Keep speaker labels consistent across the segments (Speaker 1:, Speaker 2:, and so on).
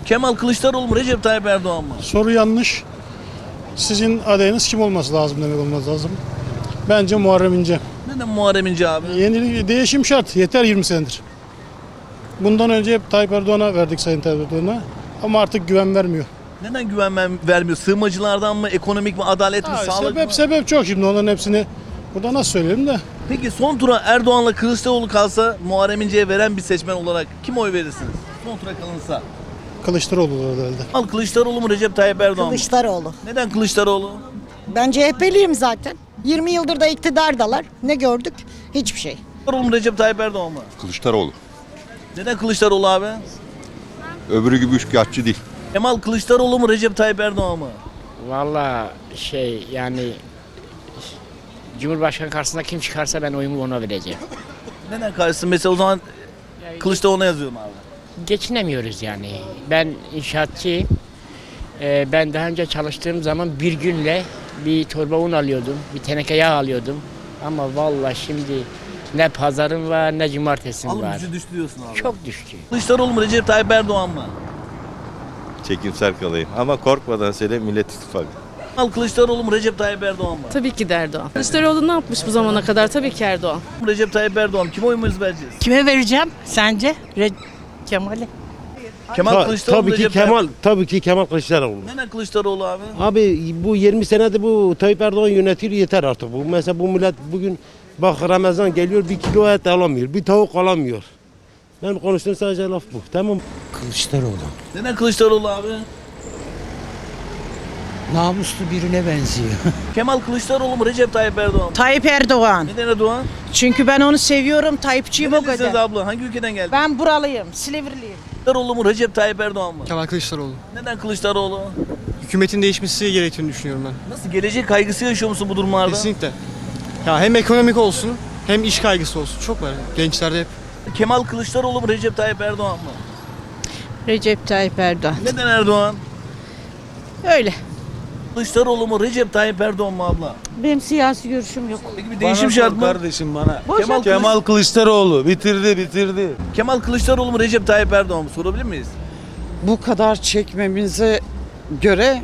Speaker 1: Kemal Kılıçdaroğlu mu Recep Tayyip Erdoğan mı?
Speaker 2: Soru yanlış. Sizin adayınız kim olması lazım demek olması lazım. Bence Muharrem İnce.
Speaker 1: Neden Muharrem İnce abi?
Speaker 2: Yeni değişim şart. Yeter 20 senedir. Bundan önce hep Tayyip Erdoğan'a verdik Sayın Tayyip Erdoğan'a. Ama artık güven vermiyor.
Speaker 1: Neden güven vermiyor? Sığınmacılardan mı, ekonomik mi, adalet mi, sağlık mı?
Speaker 2: Sebep çok şimdi onların hepsini burada nasıl söyleyelim de.
Speaker 1: Peki son tura Erdoğan'la Kılıçdaroğlu kalsa Muharrem İnce'ye veren bir seçmen olarak kim oy verirsiniz? Son tura kalınsa.
Speaker 2: Kılıçdaroğlu herhalde.
Speaker 1: Al Kılıçdaroğlu mu Recep Tayyip Erdoğan mı?
Speaker 3: Kılıçdaroğlu.
Speaker 1: Neden Kılıçdaroğlu?
Speaker 3: Ben CHP'liyim zaten. 20 yıldır da iktidardalar. Ne gördük? Hiçbir şey.
Speaker 1: Kılıçdaroğlu mu Recep Tayyip Erdoğan mı?
Speaker 4: Kılıçdaroğlu.
Speaker 1: Neden Kılıçdaroğlu abi?
Speaker 4: Öbürü gibi üçkağıtçı değil.
Speaker 1: Kemal Kılıçdaroğlu mu Recep Tayyip Erdoğan mı?
Speaker 5: Vallahi yani Cumhurbaşkanı karşısında kim çıkarsa ben oyumu ona vereceğim.
Speaker 1: Neden karşısın? Mesela o zaman Kılıçdaroğlu'na yazıyorum abi.
Speaker 5: Geçinemiyoruz yani. Ben inşaatçıyım. Ben daha önce çalıştığım zaman bir günle bir torba un alıyordum, bir teneke yağ alıyordum. Ama vallahi şimdi ne pazarım var ne cumartesim
Speaker 1: Alım
Speaker 5: var.
Speaker 1: gücü düştü diyorsun abi.
Speaker 5: Çok düştü.
Speaker 1: Kılıçdaroğlu mu Recep Tayyip Erdoğan mı?
Speaker 6: Çekimser kalayım ama korkmadan söyle Millet İttifakı.
Speaker 1: Kemal Kılıçdaroğlu mu Recep Tayyip Erdoğan mı?
Speaker 7: Tabii ki de Erdoğan. Kılıçdaroğlu ne yapmış bu zamana kadar? Tabii ki Erdoğan.
Speaker 1: Recep Tayyip Erdoğan. Kime oyumuzu vereceğiz?
Speaker 8: Kime vereceğim sence? Kemal'e.
Speaker 1: Kemal Kılıçdaroğlu
Speaker 9: Tabii ki
Speaker 1: Recep
Speaker 9: Kemal,
Speaker 1: Tayyip.
Speaker 9: tabii ki Kemal Kılıçdaroğlu.
Speaker 1: Neden Kılıçdaroğlu abi?
Speaker 9: Abi bu 20 senedir bu Tayyip Erdoğan yönetiyor yeter artık bu. Mesela bu millet bugün bak Ramazan geliyor bir kilo et alamıyor, bir tavuk alamıyor. Ben konuştuğum sadece laf bu. Tamam.
Speaker 10: Kılıçdaroğlu.
Speaker 1: Neden Kılıçdaroğlu abi?
Speaker 10: Namuslu birine benziyor.
Speaker 1: Kemal Kılıçdaroğlu mu Recep Tayyip Erdoğan mı?
Speaker 8: Tayyip Erdoğan.
Speaker 1: Neden Erdoğan?
Speaker 8: Çünkü ben onu seviyorum. Tayyipçiyim o
Speaker 1: Nerelisiniz
Speaker 8: kadar.
Speaker 1: abla? Hangi ülkeden geldin?
Speaker 8: Ben buralıyım. Silivriliyim.
Speaker 1: Kılıçdaroğlu mu Recep Tayyip Erdoğan mı?
Speaker 11: Kemal Kılıçdaroğlu.
Speaker 1: Neden Kılıçdaroğlu?
Speaker 11: Hükümetin değişmesi gerektiğini düşünüyorum ben.
Speaker 1: Nasıl gelecek kaygısı yaşıyor musun bu durumlarda?
Speaker 11: Kesinlikle. Ya hem ekonomik olsun hem iş kaygısı olsun. Çok var. Gençlerde hep.
Speaker 1: Kemal Kılıçdaroğlu mu Recep Tayyip Erdoğan mı?
Speaker 8: Recep Tayyip Erdoğan.
Speaker 1: Neden Erdoğan?
Speaker 8: Öyle.
Speaker 1: Kılıçdaroğlu mu Recep Tayyip Erdoğan mı abla?
Speaker 8: Benim siyasi görüşüm yok.
Speaker 1: Peki bir değişim şart mı?
Speaker 6: Kardeşim bana.
Speaker 1: Kemal
Speaker 6: Kılıçdaroğlu bitirdi.
Speaker 1: Kemal Kılıçdaroğlu mu Recep Tayyip Erdoğan mı? Sorabilir miyiz?
Speaker 12: Bu kadar çekmemize göre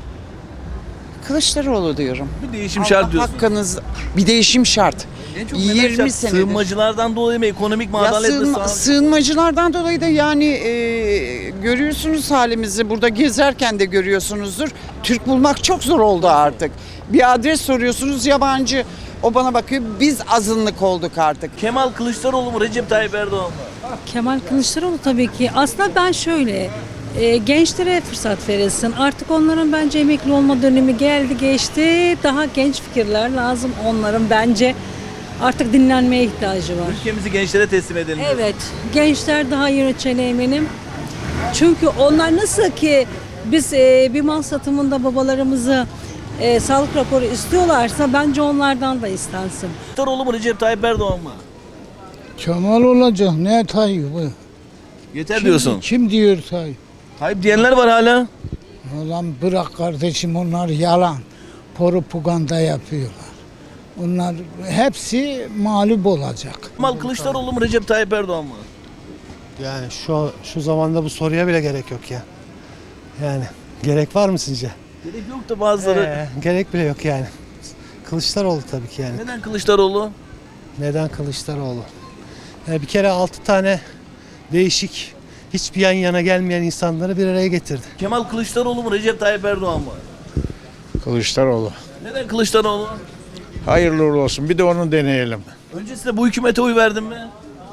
Speaker 12: Kılıçdaroğlu diyorum.
Speaker 1: Bir değişim şart diyorsun.
Speaker 12: Hakkınız bir değişim şart.
Speaker 1: En çok neden
Speaker 12: 20
Speaker 1: şart?
Speaker 12: senedir.
Speaker 1: Sığınmacılardan dolayı mı? Ekonomik mi?
Speaker 12: Ya
Speaker 1: Adalet mi? Sağlık?
Speaker 12: sığınmacılardan dolayı da yani görüyorsunuz halimizi, burada gezerken de görüyorsunuzdur. Türk bulmak çok zor oldu artık. Bir adres soruyorsunuz yabancı, o bana bakıyor, biz azınlık olduk artık.
Speaker 1: Kemal Kılıçdaroğlu mu Recep Tayyip Erdoğan mı?
Speaker 7: Kemal Kılıçdaroğlu tabii ki. Aslında ben şöyle, gençlere fırsat verilsin. Artık onların bence emekli olma dönemi geldi geçti. Daha genç fikirler lazım onların bence. Artık dinlenmeye ihtiyacı var.
Speaker 1: Ülkemizi gençlere teslim edelim. diyorsun.
Speaker 7: Evet, gençler daha yöneteceğine eminim. Çünkü onlar nasıl ki biz bir mal satımında babalarımızı sağlık raporu istiyorlarsa bence onlardan da istensin.
Speaker 1: Kılıçdaroğlu mu Recep Tayyip Erdoğan mı?
Speaker 10: Kemal olacak. Ne Tayyip?
Speaker 1: Yeter diyorsun.
Speaker 10: Kim diyor Tayyip?
Speaker 1: Tayyip diyenler var hala.
Speaker 10: Ulan bırak kardeşim, onlar yalan. Propaganda yapıyorlar. Onlar hepsi mağlup olacak.
Speaker 1: Kemal Kılıçdaroğlu mu Recep Tayyip Erdoğan mı?
Speaker 2: Yani şu zamanda bu soruya bile gerek yok ya. Yani gerek var mı sizce?
Speaker 1: Gerek yok da bazıları.
Speaker 2: Gerek bile yok yani. Kılıçdaroğlu tabii ki yani.
Speaker 1: Neden Kılıçdaroğlu?
Speaker 2: Neden Kılıçdaroğlu? Bir kere 6 tane değişik, hiçbir yan yana gelmeyen insanları bir araya getirdi.
Speaker 1: Kemal Kılıçdaroğlu mu Recep Tayyip Erdoğan mı?
Speaker 9: Kılıçdaroğlu.
Speaker 1: Neden Kılıçdaroğlu?
Speaker 9: Hayırlı uğurlu olsun. Bir de onu deneyelim.
Speaker 1: Öncesinde bu hükümete oy verdin mi?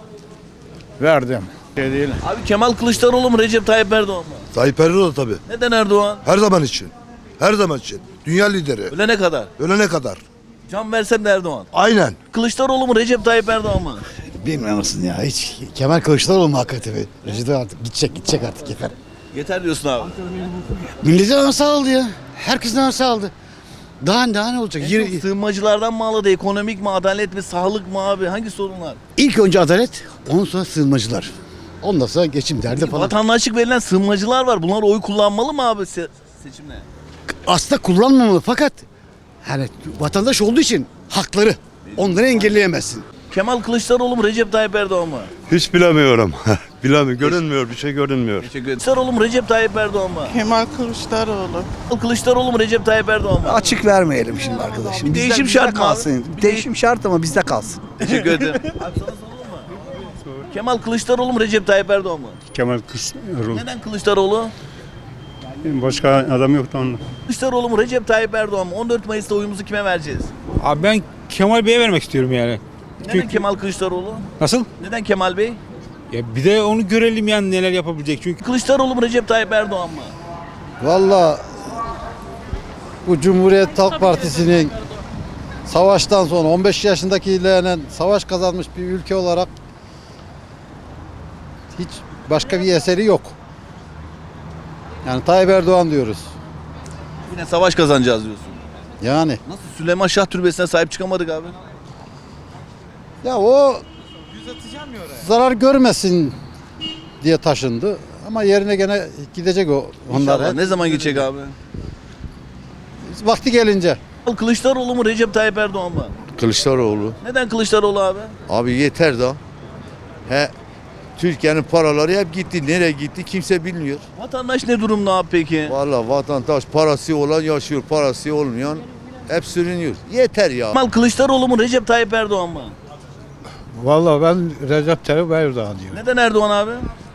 Speaker 9: Verdim. Değil.
Speaker 1: Abi Kemal Kılıçdaroğlu mu Recep Tayyip Erdoğan mı?
Speaker 4: Tayyip Erdoğan tabii.
Speaker 1: Neden Erdoğan?
Speaker 4: Her zaman için. Her zaman için. Dünya lideri.
Speaker 1: Ölene kadar.
Speaker 4: Ölene kadar.
Speaker 1: Can versem de Erdoğan.
Speaker 4: Aynen.
Speaker 1: Kılıçdaroğlu mu Recep Tayyip Erdoğan mı?
Speaker 10: Bilmiyor musun ya hiç? Kemal Kılıçdaroğlu mu hakikaten? Recep artık gidecek artık yeter.
Speaker 1: Yeter diyorsun abi.
Speaker 10: Milletin anası aldı ya. Herkesin anası aldı. Daha ne olacak?
Speaker 1: En çok sığınmacılardan mı ağladı? Ekonomik mi? Adalet mi? Sağlık mı abi? Hangi sorunlar?
Speaker 10: İlk önce adalet, ondan sonra sığınmacılar. Ondan sonra geçim derdi falan.
Speaker 1: Vatandaşlık verilen sığınmacılar var. Bunlar oy kullanmalı mı abi seçimde?
Speaker 10: Aslında kullanmamalı fakat yani vatandaş olduğu için hakları. Onları engelleyemezsin.
Speaker 1: Kemal Kılıçdaroğlu mu Recep Tayyip Erdoğan mı?
Speaker 4: Hiç bilemiyorum. Bilemiyorum. Görünmüyor. Bir şey görünmüyor.
Speaker 1: Teşekkür ederim. Kılıçdaroğlu mu Recep Tayyip Erdoğan mı?
Speaker 12: Kemal Kılıçdaroğlu.
Speaker 1: Kemal Kılıçdaroğlu mu Recep Tayyip Erdoğan mı?
Speaker 10: Açık vermeyelim şimdi arkadaşım.
Speaker 1: Bir değişim şart mı abi?
Speaker 10: kalsın. Bir değişim şart ama bizde kalsın.
Speaker 1: Teşekkür ederim. Abi sana soralım mı? Kemal Kılıçdaroğlu mu Recep Tayyip Erdoğan mı?
Speaker 2: Kemal Kılıçdaroğlu.
Speaker 1: Neden Kılıçdaroğlu?
Speaker 2: Başka adam yoktu onun.
Speaker 1: Kılıçdaroğlu mu Recep Tayyip Erdoğan mı? 14 Mayıs'ta oyumuzu kime vereceğiz?
Speaker 2: Abi ben Kemal Bey'e vermek istiyorum yani.
Speaker 1: Neden Kemal Kılıçdaroğlu?
Speaker 2: Nasıl?
Speaker 1: Neden Kemal Bey?
Speaker 2: Ya bir de onu görelim yani neler yapabilecek çünkü.
Speaker 1: Kılıçdaroğlu mu Recep Tayyip Erdoğan mı?
Speaker 10: Valla bu Cumhuriyet Halk Partisi'nin savaştan sonra 15 yaşındakilerle savaş kazanmış bir ülke olarak hiç başka bir eseri yok. Yani Tayyip Erdoğan diyoruz.
Speaker 1: Yine savaş kazanacağız diyorsun.
Speaker 10: Yani
Speaker 1: Nasıl Süleyman Şah Türbesi'ne sahip çıkamadık abi?
Speaker 10: ya o zarar görmesin diye taşındı ama yerine gene gidecek o
Speaker 1: İnşallah.
Speaker 10: onlar.
Speaker 1: Ne zaman gidecek abi?
Speaker 10: Vakti gelince.
Speaker 1: Kılıçdaroğlu mu Recep Tayyip Erdoğan mı?
Speaker 4: Kılıçdaroğlu.
Speaker 1: Neden Kılıçdaroğlu abi?
Speaker 4: Abi yeter da. Türkiye'nin paraları hep gitti. Nereye gitti kimse bilmiyor.
Speaker 1: Vatandaş ne durumda abi peki?
Speaker 4: Vallahi vatandaş parası olan yaşıyor. Parası olmayan hep sürünüyor. Yeter ya.
Speaker 1: Kemal Kılıçdaroğlu mu Recep Tayyip Erdoğan mı?
Speaker 2: Vallahi ben Recep Tayyip Erdoğan diyorum.
Speaker 1: Neden Erdoğan abi?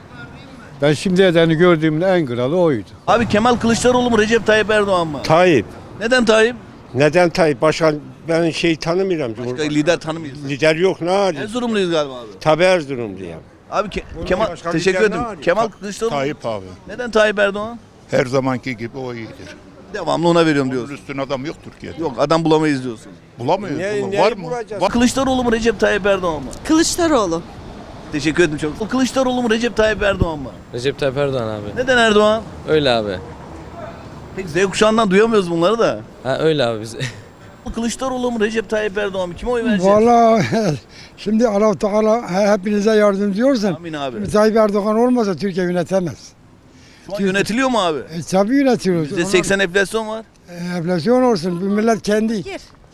Speaker 2: Ben şimdiye kadar gördüğümde en kralı oydu.
Speaker 1: Abi Kemal Kılıçdaroğlu mu Recep Tayyip Erdoğan mı?
Speaker 2: Tayyip.
Speaker 1: Neden Tayyip?
Speaker 2: Neden Tayyip? Başka ben tanımıyorum.
Speaker 1: Başka lider tanımıyoruz.
Speaker 2: Lider yok ne hali?
Speaker 1: Erzurumluyuz galiba abi.
Speaker 2: Tabii Erzurumluyum.
Speaker 1: Abi Kemal
Speaker 2: başka
Speaker 1: teşekkür
Speaker 2: lider ne
Speaker 1: ederim.
Speaker 2: var ya?
Speaker 1: Kemal Kılıçdaroğlu.
Speaker 13: Tayyip abi.
Speaker 1: Neden Tayyip Erdoğan?
Speaker 13: Her zamanki gibi o iyidir.
Speaker 1: Devamlı ona veriyorum
Speaker 13: Onun
Speaker 1: diyorsun.
Speaker 13: üstüne adam yok Türkiye'de.
Speaker 1: Yok adam bulamayız diyorsun.
Speaker 13: Bulamıyoruz. Var mı? Var.
Speaker 1: Kılıçdaroğlu mu Recep Tayyip Erdoğan mı?
Speaker 8: Kılıçdaroğlu.
Speaker 1: Teşekkür ederim çok. Kılıçdaroğlu mu Recep Tayyip Erdoğan mı?
Speaker 5: Recep Tayyip Erdoğan abi.
Speaker 1: Neden Erdoğan?
Speaker 5: Öyle abi.
Speaker 1: Peki Z kuşağından duyamıyoruz bunları da.
Speaker 5: Ha öyle abi biz.
Speaker 1: Kılıçdaroğlu mu Recep Tayyip Erdoğan mı? Kime oy vereceğiz?
Speaker 2: Valla şimdi Allah Teala hepinize yardımcı olsun.
Speaker 1: Amin abi.
Speaker 2: Tayyip Erdoğan olmasa Türkiye yönetemez.
Speaker 1: Şu an yönetiliyor mu abi?
Speaker 2: Tabii yönetiyoruz.
Speaker 1: %80 enflasyon var.
Speaker 2: Enflasyon olsun. Bu millet kendi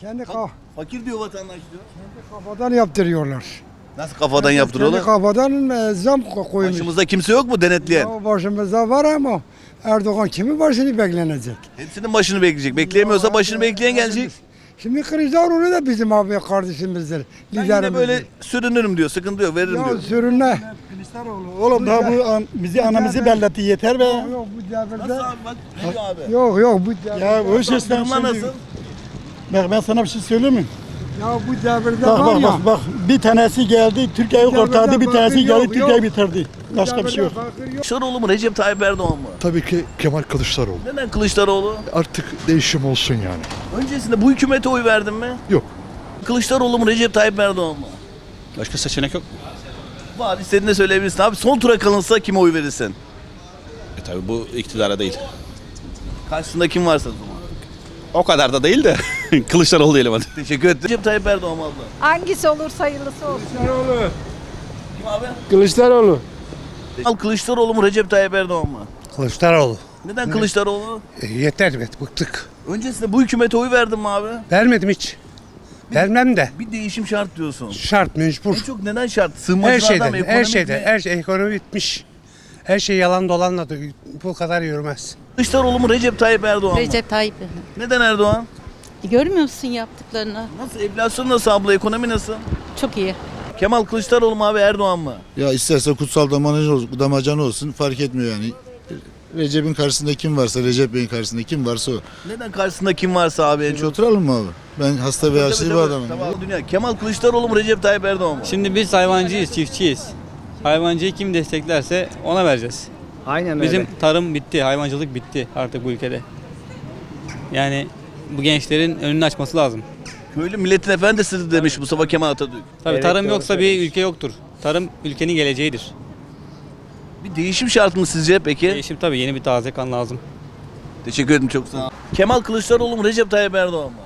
Speaker 1: Fakir diyor vatandaş diyor.
Speaker 2: kafadan yaptırıyorlar.
Speaker 1: Nasıl kafadan yaptırıyorlar?
Speaker 2: Kafadan zam koymuş.
Speaker 1: Başımızda kimse yok mu denetleyen?
Speaker 2: Ya başımızda var ama Erdoğan kimin başını beklenecek?
Speaker 1: Hepsinin başını bekleyecek. Bekleyemiyorsa başını bekleyen gelecek.
Speaker 2: Şimdi Kılıçdaroğlu da bizim abi kardeşimizdir.
Speaker 1: Ben yine böyle sürünürüm diyor. Sıkıntı yok veririm
Speaker 2: Ya
Speaker 1: diyor.
Speaker 2: sürünme.
Speaker 10: Oğlum daha bu bizi anamızı belletti yeter be.
Speaker 2: Yok bu devirde.
Speaker 1: Nasıl abi bak ne diyor abi?
Speaker 2: Yok bu devirde.
Speaker 10: Ya o sesler
Speaker 1: Durumlar nasıl?
Speaker 10: Bak ben sana bir şey söyleyeyim mi?
Speaker 2: Ya bu devirde var ya.
Speaker 10: Bak bir tanesi geldi Türkiye'yi kurtardı, bir tanesi geldi Türkiye'yi bitirdi. Başka bir şey yok.
Speaker 1: Kılıçdaroğlu mu Recep Tayyip Erdoğan mı?
Speaker 13: Tabii ki Kemal Kılıçdaroğlu.
Speaker 1: Neden Kılıçdaroğlu?
Speaker 13: Artık değişim olsun yani.
Speaker 1: Öncesinde bu hükümete oy verdin mi?
Speaker 13: Yok.
Speaker 1: Kılıçdaroğlu mu Recep Tayyip Erdoğan mı?
Speaker 13: Başka seçenek yok.
Speaker 1: Var istediğini söyleyebilirsin. Abi son tura kalınsa kime oy verirsin?
Speaker 6: Tabii bu iktidara değil.
Speaker 1: Karşısında kim varsa o zaman.
Speaker 6: O kadar da değil de Kılıçdaroğlu diyelim hadi.
Speaker 1: Teşekkür ederim. Recep Tayyip Erdoğan mı abla?
Speaker 8: Hangisi olursa hayırlısı olsun.
Speaker 1: Kim abi?
Speaker 2: Kılıçdaroğlu.
Speaker 1: Al Kılıçdaroğlu mu Recep Tayyip Erdoğan mı?
Speaker 2: Kılıçdaroğlu.
Speaker 1: Neden Kılıçdaroğlu?
Speaker 2: Yeter evet bıktık.
Speaker 1: Öncesinde bu hükümete oy verdin mi abi?
Speaker 2: Vermedim hiç. Vermem de.
Speaker 1: Bir değişim şart diyorsun.
Speaker 2: Şart mecbur.
Speaker 1: En çok neden şart?
Speaker 2: Her
Speaker 1: Sığınmacılardan mı?
Speaker 2: şeyde, her
Speaker 1: Ekonomik
Speaker 2: şeyde,
Speaker 1: mi?
Speaker 2: her şey ekonomi bitmiş. Her şey yalan dolanla da bu kadar yürümez.
Speaker 1: Kılıçdaroğlu mu Recep Tayyip Erdoğan mı?
Speaker 8: Recep Tayyip.
Speaker 1: Neden Erdoğan?
Speaker 8: Görmüyor musun yaptıklarını?
Speaker 1: Nasıl? Enflasyon nasıl abla? Ekonomi nasıl?
Speaker 8: Çok iyi.
Speaker 1: Kemal Kılıçdaroğlu mu abi Erdoğan mı?
Speaker 4: Ya isterse kutsal damacana olsun fark etmiyor yani. Recep'in karşısında kim varsa, Recep Bey'in karşısında kim varsa o.
Speaker 1: Neden karşısında kim varsa abi en
Speaker 4: Hiç
Speaker 1: çok?
Speaker 4: oturalım mı abi? Ben hasta ve yaşlı bir adamım.
Speaker 1: Tamam. Dünya. Kemal Kılıçdaroğlu mu Recep Tayyip Erdoğan mı?
Speaker 5: Şimdi biz hayvancıyız, çiftçiyiz. Hayvancıyı kim desteklerse ona vereceğiz.
Speaker 11: Aynen
Speaker 5: Bizim tarım bitti, hayvancılık bitti artık bu ülkede. Yani bu gençlerin önünü açması lazım.
Speaker 1: Köylü milletin efendisidir demiş Mustafa Kemal Atatürk.
Speaker 5: Tabii tarım yoksa bir ülke yoktur. Tarım ülkenin geleceğidir.
Speaker 1: Bir değişim şart mı sizce peki?
Speaker 5: Değişim tabii yeni bir taze kan lazım.
Speaker 1: Teşekkür ederim çok sağ ol. Kemal Kılıçdaroğlu mu Recep Tayyip Erdoğan mı?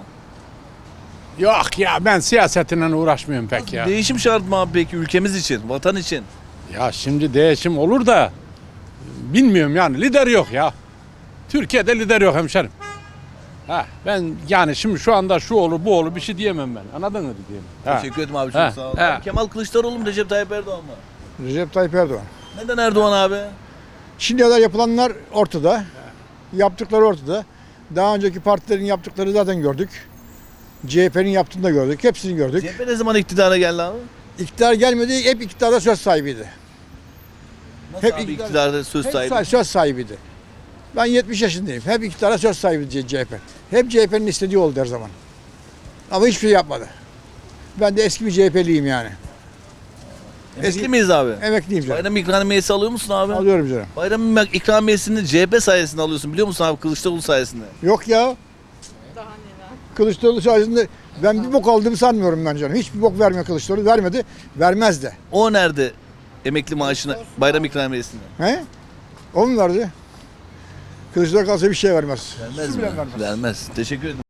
Speaker 2: Yok ya ben siyasetle uğraşmıyorum pek ya.
Speaker 1: Değişim şart mı abi peki ülkemiz için, vatan için?
Speaker 2: Ya şimdi değişim olur da bilmiyorum yani lider yok ya. Türkiye'de lider yok hemşerim.
Speaker 13: Ha, ben yani şimdi şu anda şu olur bu olur bir şey diyemem ben. Anladın mı diyeyim?
Speaker 1: Teşekkür ederim abi, çok sağ olun. Abi, Kemal Kılıçdaroğlu mu Recep Tayyip Erdoğan mı?
Speaker 10: Recep Tayyip Erdoğan.
Speaker 1: Neden Erdoğan abi?
Speaker 10: Şimdiye kadar yapılanlar ortada. Yaptıkları ortada. Daha önceki partilerin yaptıkları zaten gördük. CHP'nin yaptığını da gördük. Hepsini gördük.
Speaker 1: CHP ne zaman iktidara geldi abi?
Speaker 10: İktidar gelmedi. Hep iktidarda söz sahibiydi.
Speaker 1: Nasıl
Speaker 10: Hep
Speaker 1: abi
Speaker 10: iktidar-
Speaker 1: iktidarda söz sahibi?
Speaker 10: Söz sahibiydi. Ben 70 yaşındayım. Hep iktidara söz sahibiydi CHP. Hep CHP'nin istediği oldu her zaman. Ama hiçbir şey yapmadı. Ben de eski bir CHP'liyim yani.
Speaker 1: Emekli miyiz abi?
Speaker 10: Emekliyim canım.
Speaker 1: Bayram ikramiyesi alıyor musun abi?
Speaker 10: Alıyorum canım.
Speaker 1: Bayram ikramiyesini CHP sayesinde alıyorsun, biliyor musun abi, Kılıçdaroğlu sayesinde?
Speaker 10: Yok ya. Kılıçdaroğlu sayesinde ben bir bok aldığımı sanmıyorum ben canım. Hiçbir bok vermiyor Kılıçdaroğlu. Vermedi. Vermez de.
Speaker 1: O nerede emekli maaşını, bayram ikramiyesini?
Speaker 10: He? O mu verdi? Kılıçdaroğlu kalsa bir şey vermez.
Speaker 1: Vermez
Speaker 10: Su
Speaker 1: mi?
Speaker 10: bile vermez.
Speaker 1: Vermez. Teşekkür ederim.